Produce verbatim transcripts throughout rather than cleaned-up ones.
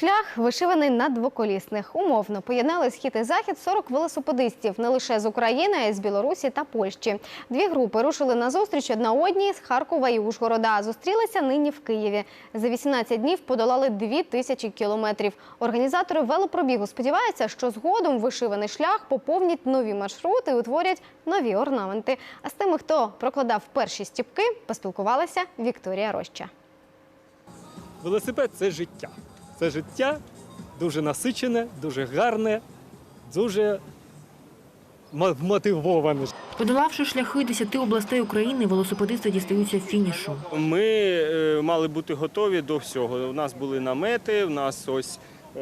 шлях вишиваний на двоколісних. Умовно поєднали схід і захід сорок велосипедистів не лише з України, а й з Білорусі та Польщі. Дві групи рушили на зустріч одна одній з Харкова і Ужгорода. Зустрілися нині в Києві. За вісімнадцять днів подолали дві тисячі кілометрів. Організатори велопробігу сподіваються, що згодом вишиваний шлях поповнять нові маршрути і утворять нові орнаменти. А з тими, хто прокладав перші стіпки, поспілкувалася Вікторія Роща. Велосипед – це життя. Це життя дуже насичене, дуже гарне, дуже мотивоване. Подолавши шляхи десяти областей України, велосипедисти дістаються фінішу. Ми е, мали бути готові до всього. У нас були намети, у нас ось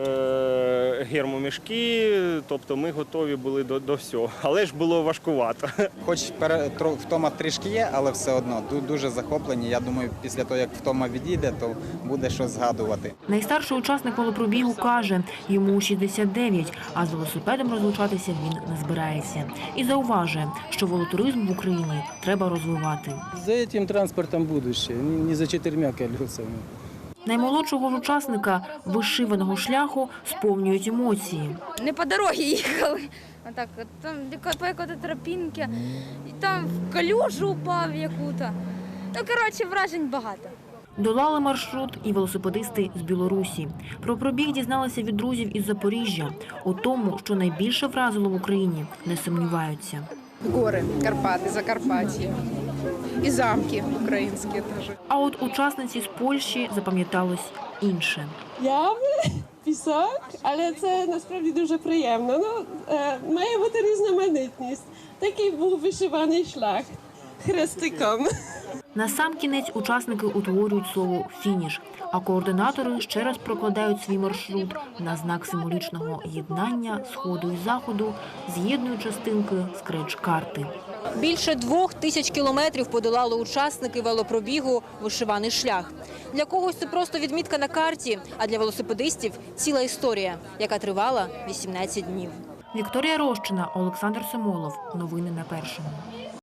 е, гермомішки, тобто ми готові були до, до всього. Але ж було важкувато. Хоч втома трішки є, але все одно дуже захоплені. Я думаю, після того, як втома відійде, то буде щось згадувати. Найстарший учасник велопробігу каже, йому шістдесят дев'ять, а з велосипедом розлучатися він не збирається. І зауважує, що велотуризм в Україні треба розвивати. За цим транспортом будущее, не за чотирма колесами. Наймолодшого ж учасника вишиваного шляху сповнюють емоції. Не по дорогі їхали, а так, там по якоїсь тропінки, і там в калюжу упав яку-то. Ну, коротше, вражень багато. Долали маршрут і велосипедисти з Білорусі. Про пробіг дізналися від друзів із Запоріжжя. У тому, що найбільше вразило в Україні, не сумніваються. Гори, Карпати, Закарпаття і замки українські теж. А от учасниці з Польщі запам'яталось інше. Ями, пісок, але це насправді дуже приємно. Ну, е, має бути різноманітність. Такий був вишиваний шлях хрестиком. Насамкінець учасники утворюють слово «фініш», а координатори ще раз прокладають свій маршрут на знак символічного єднання сходу і заходу, з'єднують частинки скреч-карти. Більше двох тисяч кілометрів подолали учасники велопробігу «Вишиваний шлях». Для когось це просто відмітка на карті, а для велосипедистів – ціла історія, яка тривала вісімнадцять днів. Вікторія Рощина, Олександр Семолов. Новини на Першому.